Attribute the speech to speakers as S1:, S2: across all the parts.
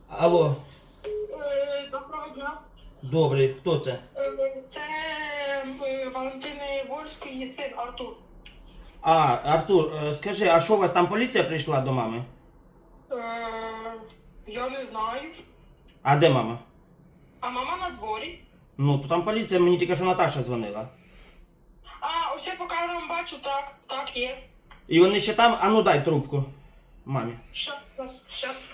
S1: Алло,
S2: Доброго дня.
S1: добрий, хто це?
S2: Це Валентини Вольської син Артур.
S1: А, Артур, скажи, а що у вас там поліція прийшла до мами?
S2: Я не знаю.
S1: А де мама?
S2: А мама на дворі.
S1: Ну, то там поліція, мені тільки що Наташа дзвонила.
S2: А, ось я по камерам бачу, так є.
S1: І вони ще там, а ну дай трубку мамі.
S2: Щас.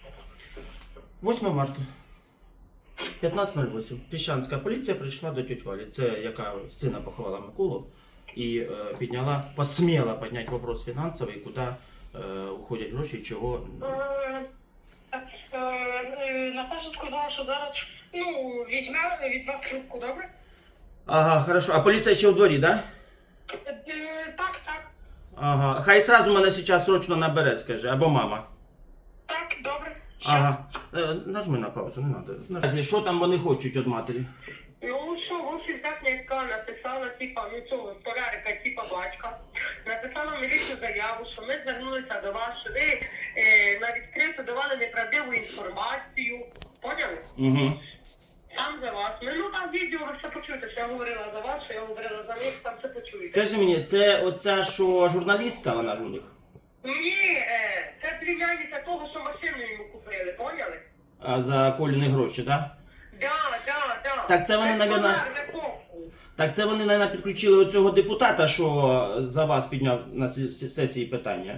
S1: 8 марта. 15:08. Піщанська поліція прийшла до тьоті Валі. Це яка сина поховала Миколу. І посміла підняти вопрос фінансовий, куди уходять гроші, чого.
S2: Наташа сказала, що зараз, візьме від вас трубку, добре?
S1: Ага, хорошо. А поліція ще у дворі, да?
S2: Так.
S1: Ага. Хай сразу мене зараз срочно набере, скажи, або мама.
S2: Так, добре. Щас.
S1: Ага. Нажми на паузу, не треба. Що там вони хочуть від матері?
S2: Ну що, в общем, так Нянька написала, цього столярика, батька. Написала в міліцію заяву, що ми звернулися до вас, що ви на відкрито давали неправдиву інформацію. Поняли?
S1: Угу.
S2: Сам за вас. Там відео ви все почуєте, що я говорила за вас, що я говорила за них, там все почуєте.
S1: Скажи мені, це оця, що журналістка вона ж у них?
S2: Ні, це племянниця того, що машину йому купили, поняли?
S1: А за Коліни гроші, так? Да?
S2: Да.
S1: Так це вони, Так це вони, мабуть, підключили оцього депутата, що за вас підняв на сесії питання.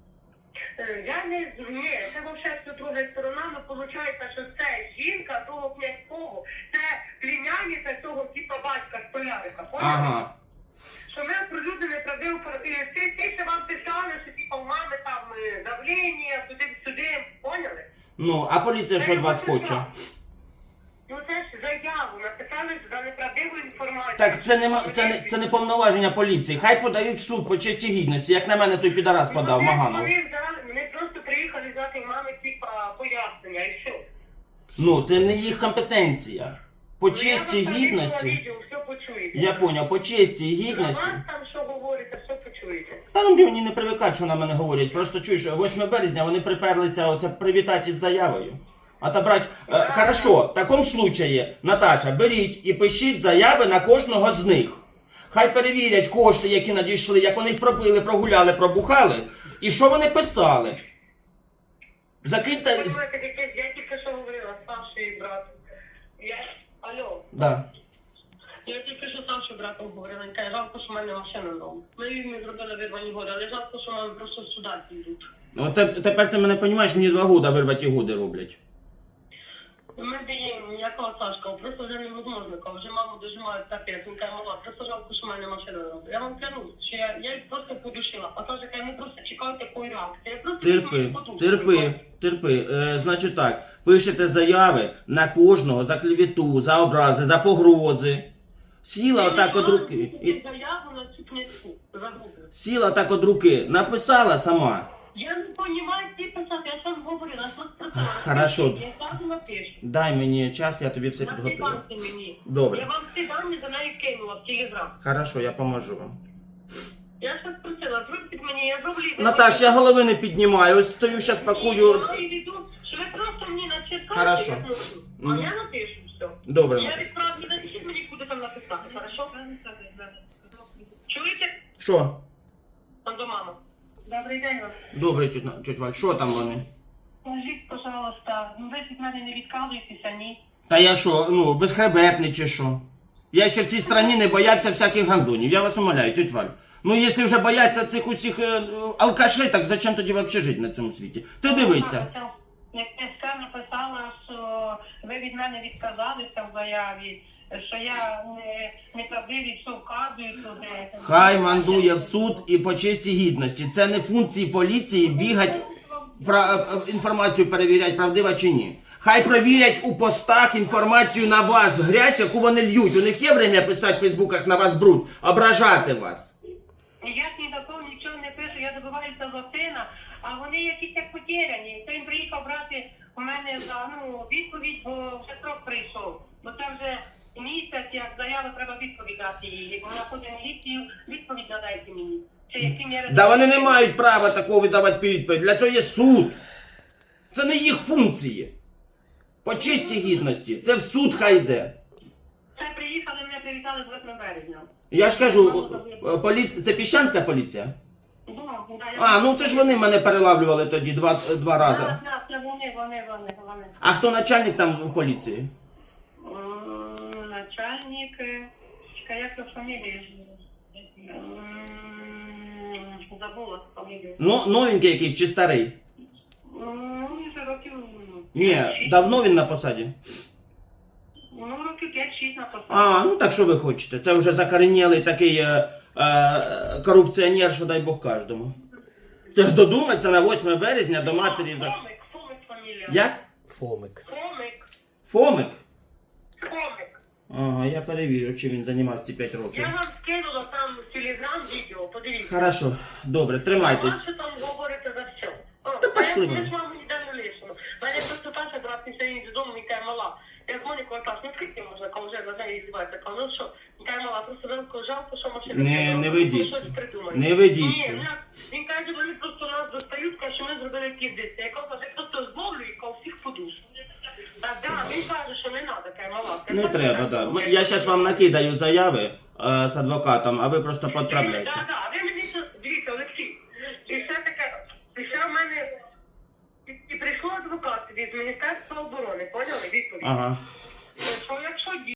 S2: Ні, це взагалі друга сторона, але виходить, що це жінка того князького, це племянниця того батька столярика, поняли?
S1: Ага.
S2: Що ми оприлюднили неправдиву, ти ще вам писали, що у мами там давлення, туди-сюди, поняли?
S1: Ну, а поліція що від вас хоче?
S2: Ну це ж заяву написали за неправдиву інформацію.
S1: Так це не повноваження поліції. Хай подають в суд по честі гідності, як на мене той підарас подав, Маганов.
S2: Вони просто приїхали взяти мами пояснення і все.
S1: Ну, це не їх компетенція. По честі гідності.
S2: Відео, все почуєте.
S1: Я поняв, по честі і гідності.
S2: За вас там що говорите, все почуєте.
S1: Та ну мені не привикати, що на мене говорять. Просто чуєш, 8 березня вони приперлися оце привітати із заявою. Отобрать. Хорошо, в такому случаї, Наташа, беріть і пишіть заяви на кожного з них. Хай перевірять кошти, які надійшли, як вони їх пропили, прогуляли, пробухали. І що вони писали. Закиньте...
S2: Я тільки що говорила, старший брат. Алло.
S1: Да.
S2: Я тільки що старший братом говорила, він каже, жалко, що в мене машина вдома. Ми їм не зробили вирвані годи, але жалко, що мами просто сюди підуть.
S1: Ну, тепер ти мене розумієш, мені 2 года вирваті годи роблять.
S2: Ми даємо ніякого Сашка, просто вже невозможно, коли вже маму дожимають капець, він каже, мала, просто жалко, що в мене машина робить. Я вам кажу, що я їх просто подушила, а Саша каже, ми просто чекають такої реакції.
S1: Терпи. Значить так, пишете заяви на кожного за клевету, за образи, за погрози. Сіла отак от руки.
S2: Заяву на цю книжку, загубила.
S1: Сіла так от руки, написала сама.
S2: Я не розумію, ці писати, я сам говорила, що сказала.
S1: Хорошо.
S2: Я сам напишу.
S1: Дай мені час, я тобі все підготую.
S2: Насипайте мені.
S1: Добре.
S2: Я вам всі дані за неї кинула в телеграм.
S1: Хорошо, я поможу вам.
S2: Я щось просила, зробіть мені, я зроблю.
S1: Наташ, я голови не піднімаю, ось стою, зараз пакую.
S2: Я веду, що ви просто мені начеркаєте,
S1: Хорошо.
S2: я напишу. А я напишу все.
S1: Добре.
S2: Я відправлю, напишіть мені, куди там написати, хорошо? Чуєте?
S1: Що?
S2: Там до мами. Добрий день вам.
S1: Добре, тьоть Валь, що там вони?
S2: Скажіть, пожалуйста, ви від мене не відказуєтеся, ні?
S1: Та я що, безхребетний чи що? Я ще в цій страні не боявся всяких гандонів, я вас умоляю, тьоть Валь. Ну, якщо вже бояться цих усіх алкашей, так зачем тоді взагалі жити на цьому світі? Ти дивися.
S2: Князька написала, що ви від мене відказалися в заяві, що я неправдиві, що вказую туди.
S1: Хай мандує в суд і по честі гідності. Це не функції поліції бігати, інформацію перевіряти, правдива чи ні. Хай перевірять у постах інформацію на вас, грязь, яку вони льють. У них є время писати в фейсбуках на вас бруд, ображати вас.
S2: Я ж ні до того нічого не пишу, я добиваюся за сина, а вони якісь як потеряні. Хто їм приїхав брати у мене за відповідь, бо вже срок прийшов. Бо це вже місяць, як заяву треба відповідати її. Вона ходить в міліцію, відповідь надайте мені. Чи які міри...
S1: Да вони не мають права такого видавати відповідь. Для цього є суд. Це не їх функції. По чистій гідності. Це в суд хай йде.
S2: Це приїхали, мене привітали з 8 березня.
S1: Я ж кажу, це піщанська поліція? А, ну це ж вони мене перелавлювали тоді два рази.
S2: Так, це вони.
S1: А хто начальник там в поліції?
S2: Начальник, як то фамілія? Забула фамілію.
S1: Ну, новенький якийсь чи старий?
S2: Мені вже років...
S1: Ні, давно він на посаді?
S2: Ну, років 5-6 на посаді.
S1: А, ну так що ви хочете? Це вже закоренілий такий корупціонер, що дай Бог кожному. Це ж додуматься на 8 березня до матері за...
S2: Фомик фамілія.
S1: Як?
S3: Фомик.
S1: Фомик?
S2: Фомик.
S1: Ага, я перевірю, чи він займався ці 5 років.
S2: Я вам скинула там в Телеграм відео, подивіться.
S1: Хорошо, добре,
S2: А
S1: тримайтесь.
S2: що там говорите за все?
S1: Та пішли ви.
S2: Ми з вами ніде не лишимо. Мене просто Таша брат після її додому, він каже, мала. Я дзвоню, коли Таш, ну скільки можна, коли вже на неї здівається? Кажу, ну що, він каже, мала, просто велико жалко, що машина.
S1: Не ведіться.
S2: Щось придумають.
S1: Не ведіться.
S2: Ні, він каже, вони просто нас достають, каже, що ми зробили ківдиці. Я кажу, я просто зловлю і кажу, всіх подушу. Так, да, він каже, що не треба, каже, мала.
S1: Не треба, так. Да. Я зараз вам накидаю заяви з адвокатом, а ви просто підправляйте.
S2: Так, так, ви мені що, дивіться, Олексій, і все таке, після в мене, і прийшов адвокат від Міністерства оборони, поняли, відповідь?
S1: Ага.
S2: Що якщо